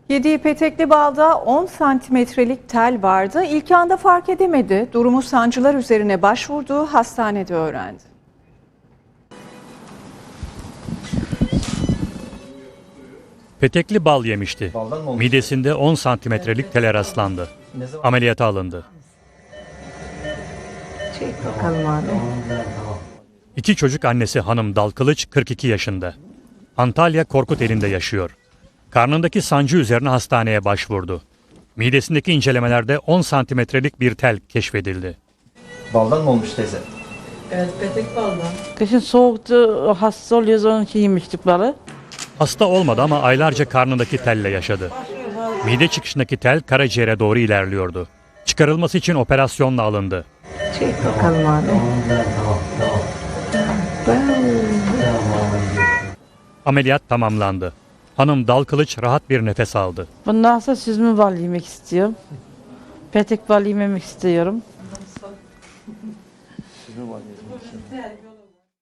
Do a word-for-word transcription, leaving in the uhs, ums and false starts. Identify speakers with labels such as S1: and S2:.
S1: Yediği petekli balda on santimetrelik tel vardı. İlk anda fark edemedi. Durumu sancılar üzerine başvurduğu hastanede öğrendi.
S2: Petekli bal yemişti.
S3: Baldan mı olmuş?
S2: Midesinde on santimetrelik tele rastlandı.
S3: Ne zaman?
S2: Ameliyata alındı.
S4: Çek bakalım abi.
S2: İki çocuk annesi hanım Dalkılıç kırk iki yaşında. Antalya Korkuteli'nde yaşıyor. Karnındaki sancı üzerine hastaneye başvurdu. Midesindeki incelemelerde on santimetrelik bir tel keşfedildi.
S3: Baldan mı olmuş teyze?
S5: Evet, petek baldan.
S4: Kışın soğuktu, hasta oluyoruz onun için yemiştik balı.
S2: Hasta olmadı ama aylarca karnındaki telle yaşadı. Mide çıkışındaki tel karaciğere doğru ilerliyordu. Çıkarılması için operasyonla alındı.
S4: Çek bakalım abi.
S2: Ameliyat tamamlandı. Hanım Dalkılıç rahat bir nefes aldı.
S4: Bundan sonra süzme bal yemek istiyorum. Petek bal yememek istiyorum.